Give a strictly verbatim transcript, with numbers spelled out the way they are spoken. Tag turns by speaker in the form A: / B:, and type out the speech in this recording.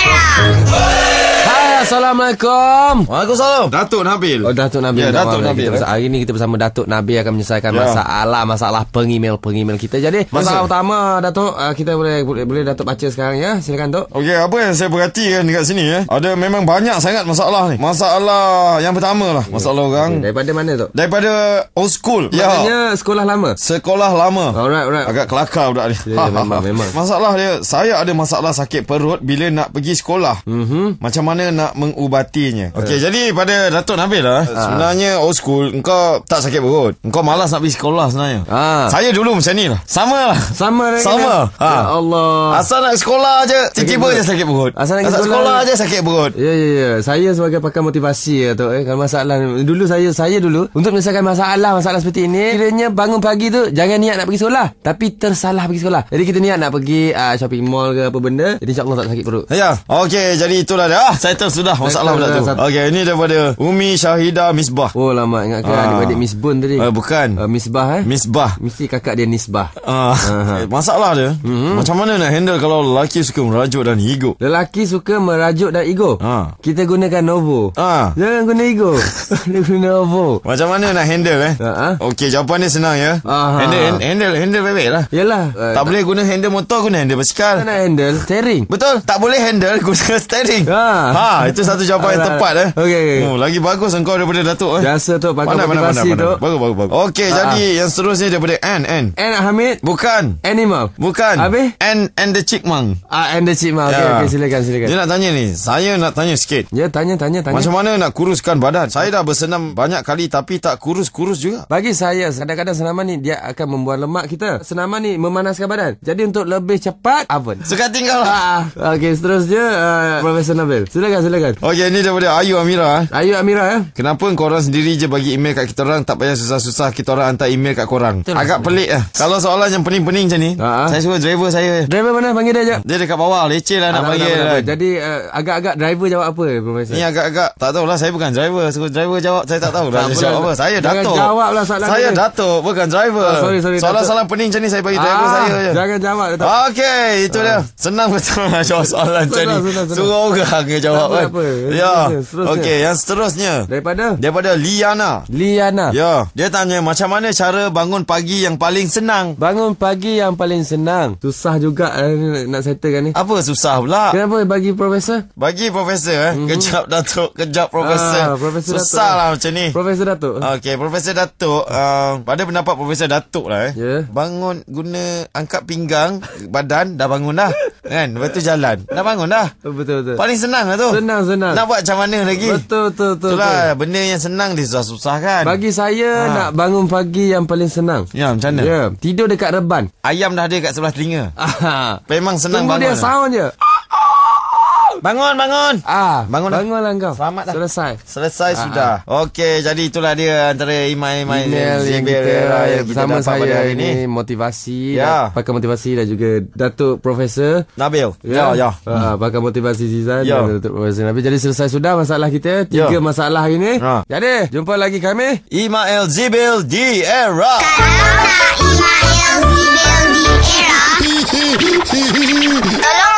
A: Era.
B: Hai, Assalamualaikum.
C: Waalaikumsalam. Datuk Nabil.
B: Oh, Datuk Nabil.
C: Ya, Datuk
B: Kita
C: Nabil.
B: bersama, hari ini kita bersama Datuk Nabil akan menyelesaikan
C: Ya.
B: masalah masalah pengemail-pengemail kita. Jadi, masalah
C: Masa-
B: utama Datuk, uh, kita boleh, boleh boleh Datuk baca sekarang ya. Silakan Tok.
C: Okey, apa yang saya perhatikan dekat sini ya, ada memang banyak sangat masalah ni. Masalah yang pertama lah, masalah orang
B: Daripada mana Tok?
C: daripada old school. Ya,
B: Maknanya sekolah lama.
C: sekolah lama.
B: Alright, alright.
C: Agak kelakar budak ni.
B: Ya, ya, memang, memang.
C: Masalah dia, saya ada masalah sakit perut bila nak pergi sekolah.
B: Mhm.
C: Macam mana nak mengubatinya? Okey, jadi pada Datuk Nabil lah, sebenarnya old school, engkau tak sakit perut. Engkau malas nak pergi sekolah sebenarnya.
B: Ah.
C: Saya dulu macam ni lah. Sama lah.
B: Sama dengan
C: Sama.
B: Ya
C: Ha.
B: Allah.
C: Asal nak sekolah je, tiba-tiba
B: perut.
C: je sakit perut.
B: Asal nak pergi
C: Asal
B: sekolah
C: sekolah je sakit perut.
B: Ya, ya, ya. Saya sebagai pakar motivasi ya, Tok. Eh. Kalau masalah dulu saya saya dulu untuk menyelesaikan masalah masalah seperti ini, kiranya bangun pagi tu jangan niat nak pergi sekolah, tapi tersalah pergi sekolah. Jadi kita niat nak pergi uh, shopping mall ke apa benda, jadi insya-Allah tak sakit perut.
C: Ya, okey, jadi itulah dia. Ah, settle sudah masalah
B: Settle
C: pula tu.
B: dah, satu.
C: Okey, ini daripada Umi Syahidah Misbah.
B: Oh lama ingat ke
C: Ah.
B: adik-adik Miss Bun tadi?
C: Uh, bukan.
B: Uh, Misbah eh?
C: Misbah.
B: Mesti kakak dia Nisbah.
C: Ah,
B: Aha.
C: masalah dia, mm-hmm. macam mana nak handle kalau lelaki suka merajuk dan ego?
B: Lelaki suka merajuk dan ego.
C: Ah.
B: Kita gunakan Novo.
C: Ah,
B: Jangan guna ego. Dia guna Novo.
C: macam mana nak handle eh?
B: Ha, ah.
C: Okey, jawapan dia senang ya.
B: Aha.
C: Handle hand- handle handle baik-baik lah.
B: Yalah. Uh,
C: Tak boleh guna handle motor, guna handle
B: tak
C: basikal.
B: nak handle steering.
C: Betul, tak boleh handle guna steering.
B: Ha.
C: Ha, itu satu jawapan yang
B: Alright.
C: tepat eh.
B: Okey, okey.
C: Oh, lagi bagus engkau daripada Datuk eh.
B: Biasa tu pakar motivasi tu.
C: Bagus, bagus, bagus. Okey,
B: Ah.
C: jadi yang seterusnya daripada N N.
B: And Hamid
C: Bukan.
B: Animal.
C: Bukan.
B: Habis?
C: And and the Chickmang.
B: Ah, and the chip mah. Okey,
C: Ya.
B: okey, silakan, silakan.
C: Dia nak tanya ni, saya nak tanya sikit.
B: Ya, tanya, tanya, tanya.
C: Macam mana nak kuruskan badan? Saya dah bersenam banyak kali tapi tak kurus-kurus juga.
B: Bagi saya, kadang-kadang senaman ni dia akan membuang lemak kita. Senaman ni memanaskan badan. Jadi untuk lebih cepat, oven.
C: Suka tinggal lah.
B: Ah, okey, seterusnya uh, Profesor Nabil. Silakan, silakan.
C: Okey, ni daripada Ayu Amira. eh.
B: Ayu Amira ya.
C: Kenapa korang sendiri je bagi email kat kita orang, tak payah susah-susah kita orang hantar email kat korang?
B: Betul.
C: Agak pelik lah. Kalau soalan yang pening-pening macam ni,
B: Ha.
C: saya suruh driver saya.
B: Driver mana panggil dia je?
C: Dia dekat bawah, leceh lah nak
B: Ah,
C: panggil.
B: tak apa, tak apa.
C: kan.
B: Jadi uh, agak-agak driver jawab apa Profesor?
C: Ni agak-agak tak tahulah, saya bukan driver. Suruh driver jawab, saya tak tahu dah
B: Tak
C: dia
B: apalah.
C: jawab apa. Saya
B: Jangan
C: Datuk.
B: jawablah soalan
C: Saya
B: dia.
C: Datuk, bukan driver.
B: Ah, sorry, sorry,
C: Soalan-soalan pening macam ni saya bagi driver
B: Ah,
C: saya je.
B: Jangan jawab Datuk.
C: Okey, itu dia. Senang betul nak jawab soalan macam ni.
B: Senang, senang, senang.
C: Suruh orang je jawab
B: Tak apa,
C: kan.
B: tak apa.
C: Ya.
B: Seterusnya, seterusnya.
C: Okey, yang seterusnya
B: Daripada
C: daripada Liana.
B: Liana.
C: Ya, dia tanya macam mana cara bangun pagi yang paling senang?
B: Bangun pagi yang paling senang. Susah juga uh, nak settlekan ni.
C: Apa susah pula?
B: Kenapa bagi Profesor?
C: Bagi Profesor eh.
B: Mhm.
C: Kejap Datuk, kejap Profesor.
B: Ah, Profesor
C: susah
B: Datuk.
C: lah macam ni.
B: Profesor Datuk.
C: Okey, Profesor Datuk, uh, pada pendapat Profesor Datuk lah eh.
B: Ya.
C: Bangun guna angkat pinggang, badan dah bangun dah. Kan? Lepas tu jalan. Dah bangun dah.
B: Oh, betul betul.
C: Paling senang lah tu.
B: Senang senang.
C: Nak buat macam mana lagi?
B: Betul betul betul.
C: Itulah
B: betul.
C: benda yang senang disusah-susah kan.
B: Bagi saya
C: Ha.
B: nak bangun pagi yang paling senang.
C: Ya, macam mana?
B: Ya, tidur dekat reban.
C: Ayam dah ada kat sebelah telinga.
B: Ah.
C: Memang senang
B: Tunggu
C: bangun.
B: dia
C: lah.
B: sound je.
C: Bangun, bangun.
B: Ah,
C: Bangun dah.
B: bangunlah kau.
C: Selamat dah.
B: Selesai.
C: Selesai
B: Ah,
C: sudah. Okey, jadi itulah dia antara email-email
B: Email yang
C: Zibil
B: kita,
C: yang kita
B: bersama
C: dapat pada
B: saya
C: hari
B: ini
C: ini.
B: motivasi,
C: Ya.
B: dan pakar motivasi dan juga Datuk Profesor.
C: Nabil. Ya, ya.
B: Ah, pakar motivasi Zizan
C: Ya.
B: dan Datuk Profesor Nabil. Jadi selesai sudah masalah kita. Tiga
C: Ya.
B: masalah ini.
C: Ha.
B: Jadi, jumpa lagi kami.
C: Email Zibil di era.
A: Kalau nak email Zibil di Era, tolong